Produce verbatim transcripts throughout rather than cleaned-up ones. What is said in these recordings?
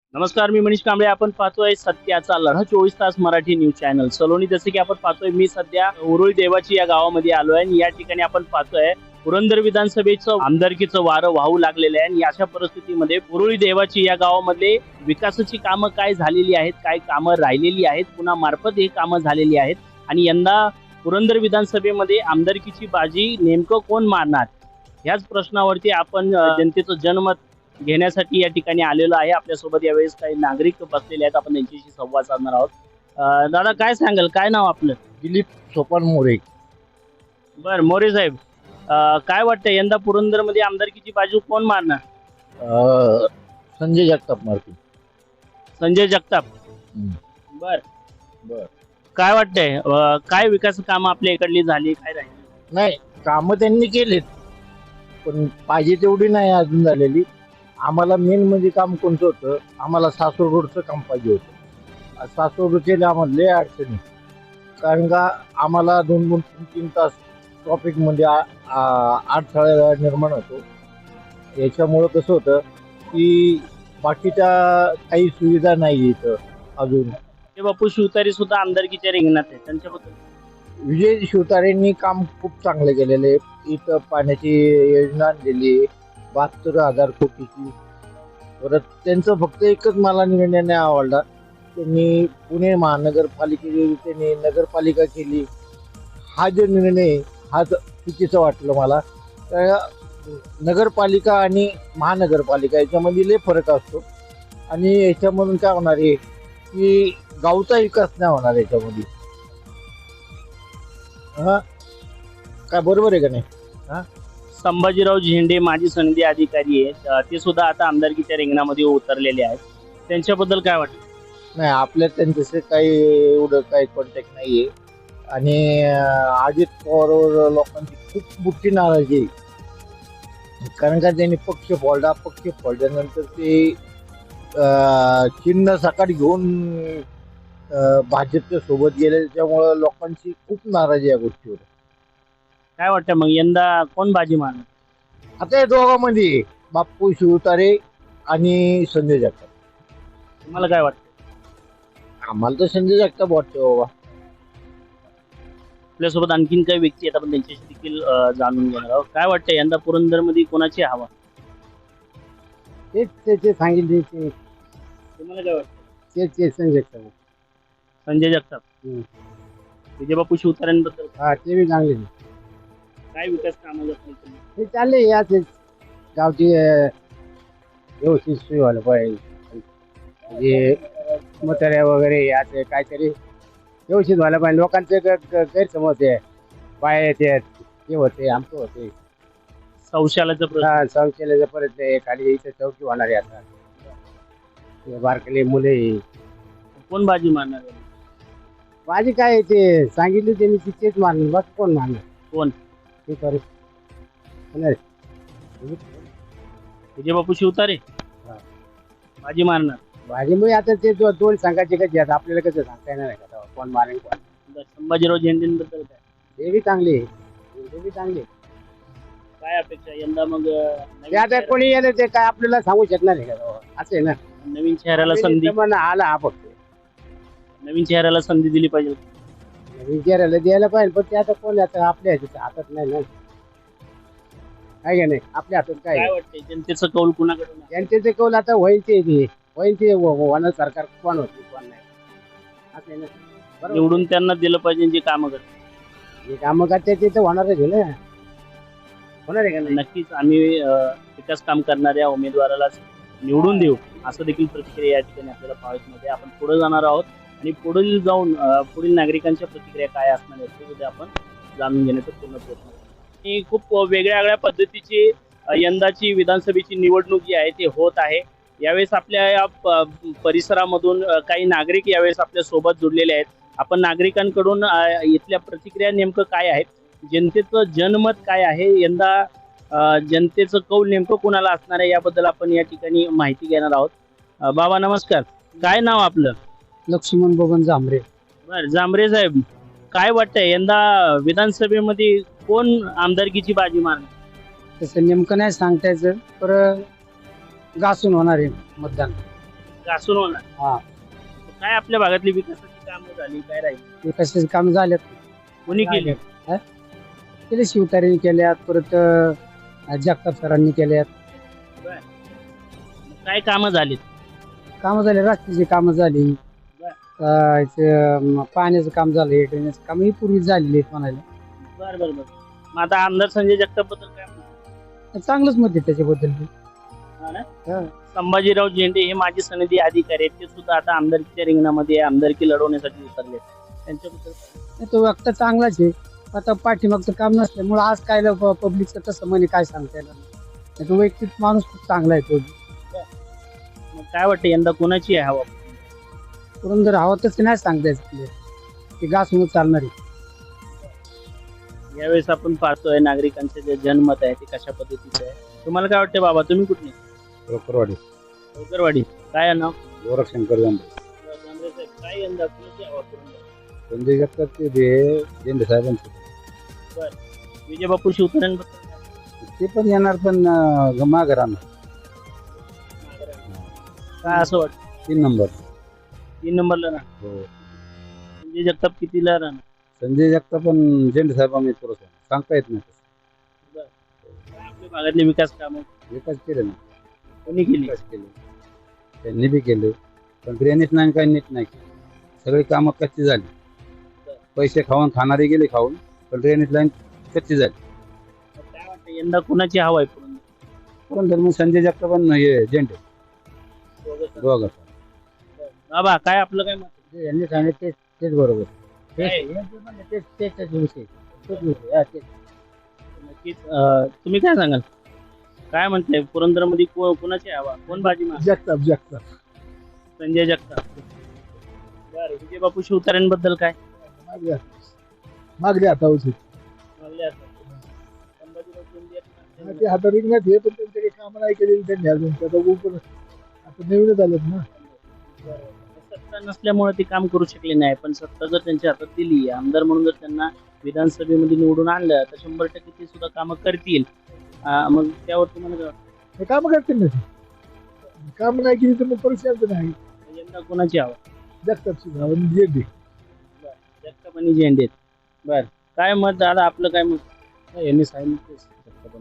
नमस्कार, मी मनीष कांबळे. आपण पाहतोय सत्याचा लढा चोवीस तास मराठी न्यूज चॅनल सलोनी. जसे की आपण पाहतोय, मी सध्या उरुळी देवाची या गावामध्ये आलो आहे आणि या ठिकाणी आपण पाहतोय पुरंदर विधानसभेचं आमदारकीचं वारं वाहू लागलेलं आहे. आणि अशा परिस्थितीमध्ये उरुळी देवाची या गावामध्ये विकासाची कामं काय झालेली आहेत, काय कामं राहिलेली आहेत, पुन्हा मार्फत हे कामं झालेली आहेत आणि यंदा पुरंदर विधानसभेमध्ये आमदारकीची बाजी नेमकं कोण मारणार, ह्याच प्रश्नावरती आपण अ, जनतेचं जनमत घेण्यासाठी या ठिकाणी आलेलो आहे. आपल्यासोबत यावेळेस काही नागरिक बसलेले आहेत, आपण त्यांच्याशी संवाद साधणार आहोत. अ, दादा, काय सांगाल, काय नाव आपलं? दिलीप सोपान मोरे. बर, मोरे साहेब, अ, काय वाटतं यंदा पुरंदरमध्ये आमदारकीची बाजू कोण मारणार? अ, संजय जगताप मारतील. संजय जगताप. हम्म. बर बर. काय वाटतंय, अ, काय विकास कामं आपल्या इकडली झाली, काय राहिली? नाही, कामं त्यांनी केलेत, पण पाहिजे तेवढी नाही अजून झालेली. आम्हाला मेन म्हणजे काम कोणतं होतं, आम्हाला सासवड रोडचं काम पाहिजे होतं. सासवड रोडचे आम्हाला लय अडचणी, कारण का आम्हाला दोन दोन तीन तीन तास ट्रॉफिकमध्ये अडथळा निर्माण होतो. याच्यामुळं कसं होतं की बाकीच्या काही सुविधा नाही इथं अजून. ते बापू शिवतारे सुद्धा आमदारकीच्या रिंगणात आहे, त्यांच्याबद्दल? विजय शिवतारेंनी काम खूप चांगले केलेले. इथं पाण्याची योजना आणलेली आहे बहात्तर हजार कोटीची. परत त्यांचं फक्त एकच मला निर्णय नाही आवडला, त्यांनी पुणे महानगरपालिकेची त्यांनी नगरपालिका केली. हा जो निर्णय हा चुकीचा वाटलं मला. तर नगरपालिका आणि महानगरपालिका याच्यामध्ये लय फरक असतो आणि याच्यामधून काय होणार आहे की गावचा विकास नाही होणार याच्यामध्ये. हा काय बरोबर आहे का नाही? हा, संभाजीराव झेंडे माजी सनदी अधिकारी आहेत, अ, ते सुद्धा आता आमदारकीच्या रिंगणामध्ये उतरलेले आहेत. त्यांच्याबद्दल काय वाटतं? नाही, आपल्या त्यांच्याशी काही एवढं काही कॉन्टॅक्ट नाहीये. आणि अं, अजित पवारवर लोकांची खूप मोठी नाराजी आहे, कारण का त्यांनी पक्ष फोडला. पक्ष फोडल्यानंतर ते अं, चिन्ह सकाळी घेऊन अं, भाजपच्या सोबत गेले. त्यामुळं लोकांची खूप नाराजी या गोष्टीवर. काय वाटतं मग यंदा कोण बाजी मारणार? आता या दोघांमध्ये बाप्पू शिवतारे आणि संजय जगताप. तुम्हाला काय वाटतं? आम्हाला तर संजय जगताप वाटतं बाबा. आपल्यासोबत आणखीन काही व्यक्ती आहेत, आपण त्यांच्याशी देखील अ, जाणून घेणार आहोत. काय वाटतं यंदा पुरंदरमध्ये कोणाची हवा? तेच त्याचे सांगितले ते तुम्हाला काय वाटतं? तेच ते संजय जगताप. संजय जगताप. हम्म. विजयबापू शिवतारेंबद्दल हा, ते बी चांगले. काय विकास कामं करतील तुम्ही? हे चालले याच गावची अं, व्यवस्थित सोय व्हायला पाहिजे. म्हणजे म्हाताऱ्या वगैरे याचे काहीतरी व्यवस्थित व्हायला पाहिजे. लोकांचे ग- ग- गैरसमज आहे, पाय येते हे होते आमचं होते. शौचालयाचा प्रश्न. हा, शौचालयाचं परत ते खाली इथं चौकी होणार आहे आता. ते बारकले मुले कोण बाजी मारणार आहे? माझी काय आहे ते सांगितले त्यांनी तिथेच मारणार, बस कोण मारणार कोण? ते करू नाही. विजयबापू शिवतारे हा. बाजी मारणार. भाजी मग आता ते दो- दोन संघाचे कसे आहेत आपल्याला कसं सांगता येणार आहे का तेव्हा कोण मारेल कोण. बरं, संभाजीराव झेंडेंबद्दल काय ते बी चांगले ते बी चांगले. काय अपेक्षा यंदा मग? अ, नवीन ते आता चेहरा- कोणी येणार ते काय आपल्याला सांगू शकणार आहे का तेव्हा? असं आहे ना. नवीन चेहऱ्याला संधी जमाना आला हा फक्त. नवीन चेहऱ्याला संधी दिली पाहिजे. विचारायला द्यायला पाहिजे, पण ते आता कोण आता आपल्या ह्याच्या हातात नाही ना. काय का नाही, आपल्या हातात काय काय आहे? वाटतंय जनतेचं कौल कुणाकडून आहे? त्यांचे ते कौल आता होईल ते ते होईल ते हो- हो- होणार. सरकार कोण होते कोण नाही असं आहे ना. बरोबर. निवडून त्यांना दिलं पाहिजे जे कामं करतात. जे कामं करते ते तर होणारच आहे ना. होणार आहे का नाही? नक्कीच आम्ही अ, विकास काम करणाऱ्या उमेदवारालाच निवडून देऊ, असं देखील प्रतिक्रिया या ठिकाणी आपल्याला पाहायला मिळते. आपण पुढे जाणार आहोत आणि पुढील जाऊन अ, पुढील नागरिकांच्या प्रतिक्रिया काय असणार आहेत ते सुद्धा आपण जाणून घेण्याचा पूर्ण प्रयत्न करू. ही खूप वेगळ्या वेगळ्या पद्धतीची अ, यंदाची विधानसभेची निवडणूक जी आहे ती होत आहे. यावेळेस आपल्या या प- परिसरामधून अ, काही नागरिक यावेळेस आपल्या सोबत जुडलेले आहेत. आपण नागरिकांकडून अ, इथल्या प्रतिक्रिया नेमकं काय आहेत, जनतेचं जनमत काय आहे, यंदा अ, जनतेचं कौल नेमकं कुणाला असणार आहे, याबद्दल आपण या ठिकाणी माहिती घेणार आहोत. अ, बाबा नमस्कार, काय नाव आपलं? लक्ष्मण बबन जांभरे. बर, जांभरे साहेब, काय वाटतंय यंदा विधानसभेमध्ये कोण आमदारकीची बाजी मारणार? तसं नेमकं नाही सांगता यायचं, पर घासून होणार आहे मतदान. घासून होणार. हा. काय आपल्या भागातली विकासाची कामं झाली काय राहिली विकासाचे काम झालेत. कोणी केली? केले शिवतारेने केल्यात, परत अं, जगताप सरांनी केल्यात. काय कामं झालीत? कामं झाले, रस्त्याची कामं झाली, अं, इथे पाण्याचं काम झालं, ड्रेनेजचं काम ही पूर्वी झालेली आहेत म्हणाले. बर बर बर मग आता आमदार संजय जगताप बद्दल काय म्हणतो? चांगलंच मत आहे त्याच्याबद्दल. हा ना? हा. संभाजीराव झेंडे हे माजी सनदी अधिकारी आहेत, ते सुद्धा आता आमदारकीच्या रिंगणामध्ये आमदारकी लढवण्यासाठी उतरले. त्यांच्याबद्दल काय? तो व्यक्त चांगलाच आहे. आता पाठीमागचं काम नसल्यामुळे आज काय पब्लिकचं तसं म्हणे काय सांगता येणार नाही. तो वैयक्तिक माणूस खूप चांगला आहे. तो मग काय वाटतं यंदा कोणाची आहे हवा? पुरंदर हवा तसं नाही सांगता येत, ते घासून चालणार आहे. यावेळेस आपण पाहतोय नागरिकांचे जे जनमत आहे ते कशा पद्धतीचे आहे. तुम्हाला काय वाटतं बाबा, तुम्ही कुठले? रोकरवाडी होकरवाडी. काय नाव? गोरखशंकर जांभे. जांभरे साहेब, काय यंदा कोणाची हवा पुरंदर? संजय जगताप ते जे झेंडे साहेबांचे विजय बापू शिवतारेंबद्दल ते पण येणार, पण मागे राहणार. काय असं वाटतं? तीन नंबर. तीन नंबरला ना हो. संजय जगताप कितीला राहणार? संजय जगताप पण झेंडे साहेबांनी थोडंसं सांगता येत नाही तसं. काय आपल्या भागातले विकास कामं विकास केले ना, कोणी केली? विकास केले, त्यांनी बी केले, पण ड्रेनेज नाही, काही नीट नाही केलं. सगळी कामं कच्ची झाली. पैसे खाऊन खाणारे गेले खाऊन, पण ड्रेनेज लाईन कच्ची झाली. काय वाटतं यंदा कोणाची हवा आहे पुरंदर? पण धर्म संजय जगताप पण हे झेंडे दोघं. बाबा काय आपलं काय मत? यांनी सांगितलं तेच तेच बरोबर. काय? तेच तेच तेच विषय तेच विषय हा, तेच. नक्कीच. अं, तुम्ही काय सांगाल? काय म्हणताय पुरंदरमध्ये को- कोणाची हवा, कोण बाजी मार? जगताप जगताप संजय जगताप. बरं, विजय बापू शिवतारेंबद्दल काय? मागल्या मागल्या आता होती मागले असं. संभाजीराव शिंदे आहेत ना, ते आता रिंगणात हे, पण त्यांचे काही कामं नाही केलेली त्यांनी अजून. ते आता पण आता नवीनच आलेत ना. सत्ता नसल्यामुळे ते काम करू शकले नाही, पण सत्ता जर त्यांच्या हातात दिली, आमदार म्हणून जर त्यांना विधानसभेमध्ये निवडून आणलं तर शंभर टक्के ते सुद्धा कामं करतील. अं, मग त्यावर तुम्हाला काय वाटतं? हे कामं करतील ना ते. काम नाही केली तर मग परीक्षा नाही. यंदा कोणाची हवा? जगतापची गाव जे बी जगताप आणि झेंडे. बर, काय मत दादा आपलं? काय मत? यांनी सांगितलं जगताप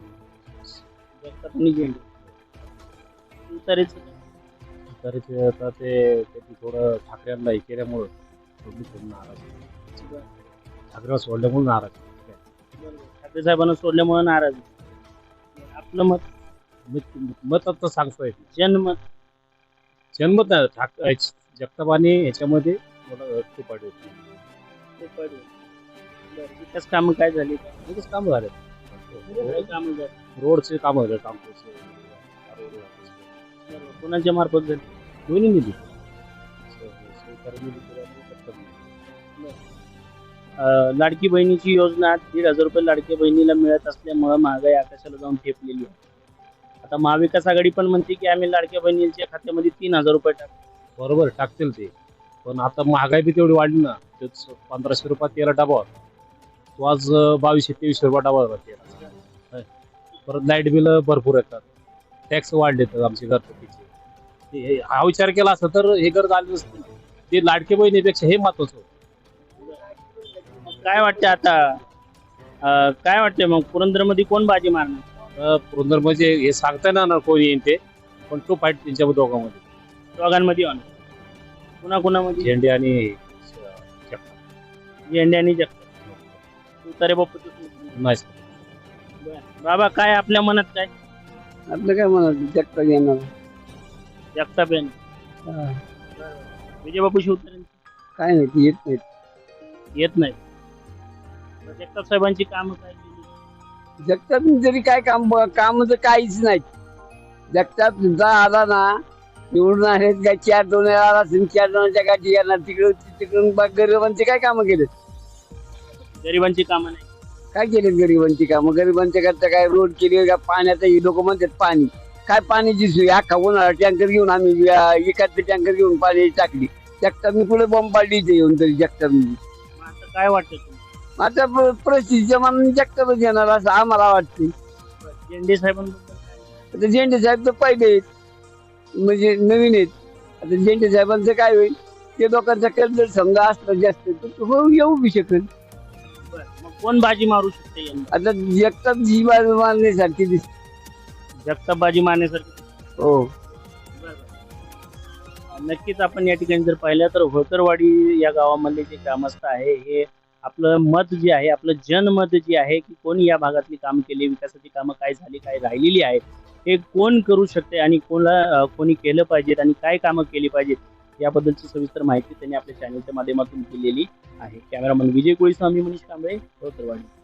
आणि झेंडे. शिवतारेचं काय? तरी ते आता ते त्यांनी थोडं ठाकरेंना हे केल्यामुळं थोडी थोडी नाराज आहे. ठाकरेला सोडल्यामुळे नाराज आहे. बरोबर. ठाकरे साहेबांना सोडल्यामुळे नाराज आहे. आपलं मत? मत मत आता सांगता येत नाही. जनमत. जन्मत नाही ठाक जगताप आणि ह्याच्यामध्ये मला खूप आढळ होती. खूप बरं. बरं, विकास कामं काय झाली? लगेच कामं झाले. काय कामं झाली? रोडचे कामं झाले, कामपूरचे बरोबर. कोणाच्या मार्फत झाली? दोन्ही निधी सहकारी निधी केला आणि जगताप निधी. अं, लाडकी बहिणीची योजना दीड हजार रुपये लाडक्या बहिणीला मिळत असल्यामुळं महागाई आकाशाला जाऊन ठेपलेली आहे. आता महाविकास आघाडी पण म्हणते की आम्ही लाडक्या बहिणीच्या खात्यामध्ये तीन हजार रुपये टाकू. बरोबर टाकतील ते, पण आता महागाई बी तेवढी वाढली ना. तेच पंधराशे रुपये तेरा डबा होता, तो आज बावीसशे तेवीसशे रुपये डबा होता तेरा. परत लाईट बिल भरपूर येतात, टॅक्स वाढले तर आमचे घरपट्टीचे. हे- हा विचार केला असता तर हे घर झालं नसतं. ते लाडके बहिणीपेक्षा हे महत्वाचं होतं. मग काय वाटतं आता? अं, काय वाटतंय मग पुरंदरमध्ये कोण बाजी मारणार? अं, पुरंदर म्हणजे हे सांगता येणार ना कोण येईन ते, पण तो फाईट त्यांच्या दोघांमध्ये दोघांमध्ये होणार. कुणा कुणामध्ये? झेंडे आणि जगताप. झेंडे आणि जगताप. शिवतारे बापू नाही. बाबा काय आपल्या मनात काय? आपलं काय म्हणा, जगताप येणार. जगताप यांनी. विजय बापू शिवतारे काय नाही, ते येत नाही. येत नाही. जगताप साहेबांची कामं काय केली? जगताप जरी काय काम काम तर काहीच नाही. जगताप तुमचा आला ना, निवडून आहेत काय चार दोन वेळा आला असेल, चार दोनाच्या गाठी येणार तिकडून तिकडून गरिबांचे काय कामं केले? गरिबांची कामं नाही. काय केले गरिबांची कामं? गरिबांच्या करता काय रोड केले का? पाण्याचं ही लोक म्हणतात पाणी काय, पाण्याची सोय अख्खा उन्हाळा टँकर घेऊन आम्ही एखादे टँकर घेऊन पाणी टाकली. जगताप मी पुढे बॉम्ब पाडली इथे येऊन, तरी जगताप मग आता काय वाटतं तुम्हाला? आता प- परिस्थितीच्या मनाने जगतापच येणार असं आम्हाला वाटते. झेंडे साहेबांबद्दल काय? आता झेंडे साहेब तर पहिले आहेत, म्हणजे नवीन आहेत. आता झेंडे साहेबांचं काय होईल ते लोकांचा कल जर समजा असलं जास्त तर तो हो येऊ बी शकेल. बरं. मग कोण बाजी मारू शकते यंदा? आता एकटाच जीवा मारण्यासारखी दिसते. जगताप बाजी मारण्यासारखी. हो नक्कीच आपण या ठिकाणी जर पाहिलं तर होतरवाडी या गावामधले जे ग्रामस्थ आहे हे आपलं मत जे आहे आपलं जनमत जे आहे की कोणी या भागातली काम केली, विकासाची कामं काय झाली काय राहिलेली आहेत हे कोण करू शकते आणि कोणाला कोणी केलं पाहिजेत आणि काय कामं केली पाहिजेत याबद्दलची सविस्तर माहिती त्यांनी आपल्या चॅनलच्या माध्यमातून दिलेली आहे. कॅमेरामन विजय कोळी स्वामी मनीष कांबळे होतरवाडी.